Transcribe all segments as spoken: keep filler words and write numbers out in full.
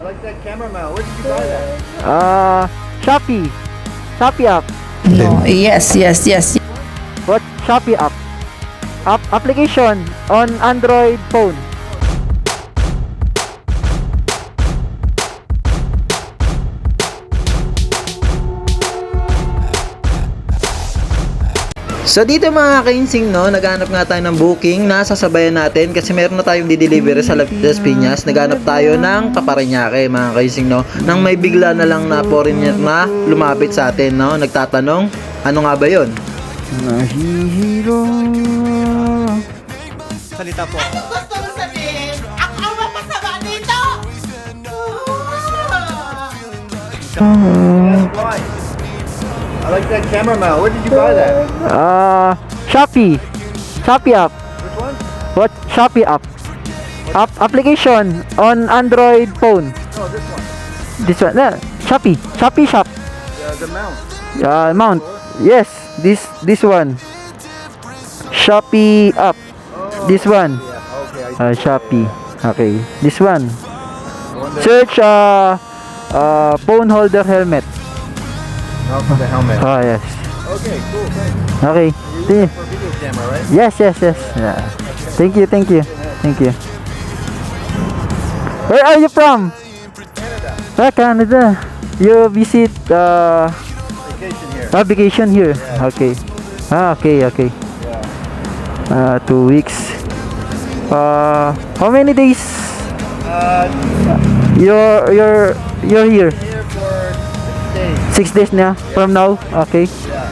I like that camera mount. Where did you buy that? Uh, Shopee. Shopee app. No, yes, yes, yes. What? Shopee app. App application on Android phone. So dito mga kainsing, no, naghanap nga tayo ng booking na sasabayan natin kasi meron na tayong di-deliver sa Las Piñas. Naghanap tayo ng Kaparañaque mga kainsing, no, nang may bigla na lang na foreigner na lumapit sa atin, no, nagtatanong, ano nga ba yon? Nahihiro. Salita po. Gusto mo sabihin, ako ang mapasama dito! That's why. I like that camera mount. Where did you buy that? Uh, Shopee. Shopee app. Which one? What? Shopee app. App application on Android phone. No, this one. This one. Uh, Shopee. Shopee shop. Uh, the mount. Uh, mount. Yes. This this one. Shopee app. Oh, This one. yeah. Okay. I Uh, Shopee. Okay. This one. The one that- Search uh, uh, phone holder helmet. Oh, for the helmet. Ah, yes. Okay, cool. Thanks. Okay. You're See- using it for video camera, right? Yes, yes, yes. Yeah. Thank you, thank you, thank you. Where are you from? Canada. Ah, Canada. You visit uh, Vacation here. ah, vacation here. Yeah. Okay. Ah, okay, okay. Yeah. Uh, two weeks. Uh, how many days? Uh, You're you're you're here. here for six days. Six days na from now. Okay. Yeah.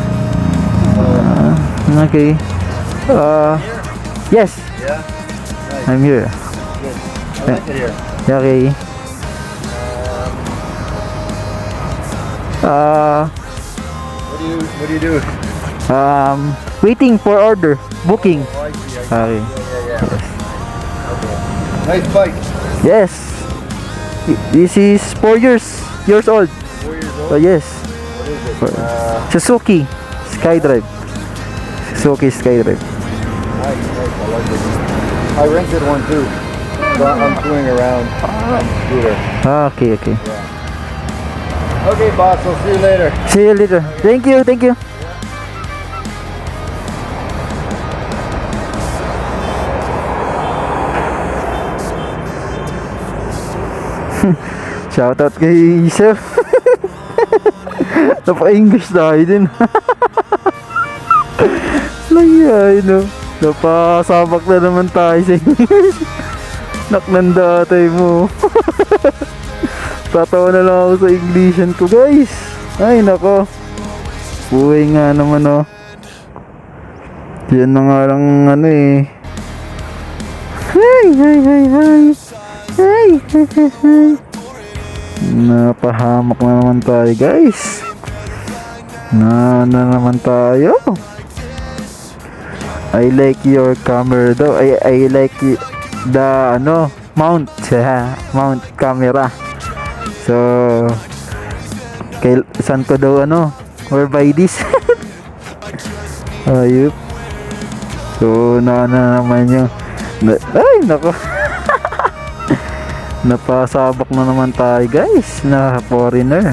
Uh, okay. Uh, yes, Yeah. Nice. I'm here. Good. I like it here. Okay. Um, Uh, what do you What do you do? um, waiting for order. Booking. Oh, I see. I see. Okay. Yeah, yeah, yeah. Okay. Nice bike. Yes. This is four years years old. Four years old. Oh yes. What is it? Uh, Suzuki Skydrive. Suzuki Skydrive. nice, nice. I like it. I rented one too. So I'm touring around on the scooter. Ah, okay, okay. Okay, boss. I'll see you later. See you later. Thank you, thank you. Shoutout kay Sir. Napa-English tayo din. Langyayin, no? Napasabak na naman tayo sa English. Naknanda tayo mo. Tatawa na lang ako sa Englishan ko, guys. Ay, nako. Buhay nga naman, oh. Yan na nga lang, ano eh. Hi, hi, hi, hi. Hi, hi, hi, hi. Napahamak na naman tayo, guys. Na na naman tayo. I like your camera daw. I, I like y- the, ano, mount. Mount camera. So, kay, saan ko daw, ano, where buy this? Ayup. So, na na naman yung, na, ay, nako. Napasabak na naman tayo, guys, na foreigner.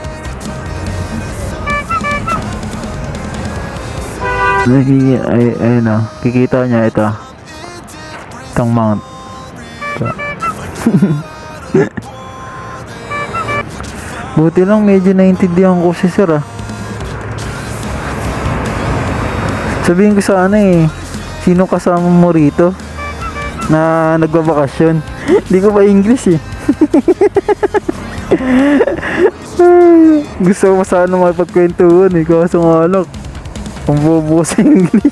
Ay, ay, ay, no. Kikita niya ito. Itong mount. Ito. Buti lang medyo naintindihan ko si Sir, ah. Sabihin ko sana eh, sino kasama mo rito na nagbabakasyon? Hindi ko pa English eh. Gusto ko sana makipagkwentuhan eh, kaso nga lang ang bobo sa English.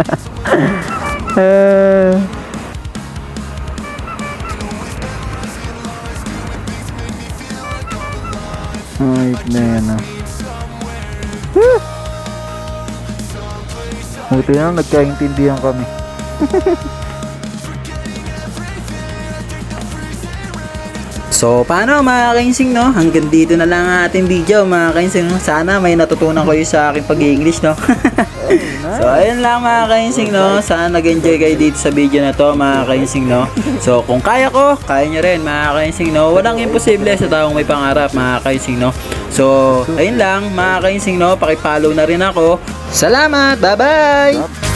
eh, Ay, na yan, ah. Buti na nagkaintindihan kami. So, paano mga kainsing, no? Hanggang dito na lang ang ating video, mga kainsing. Sana may natutunan kayo sa aking pag-English, no? So, ayun lang mga kainsing, no? Sana nag-enjoy kayo dito sa video na to, mga kainsing, no? So, kung kaya ko, kaya nyo rin, mga kainsing, no? Walang imposible sa taong may pangarap, mga kainsing, no? So, ayun lang, mga kainsing, no? Pakipollow na rin ako. Salamat! Bye-bye!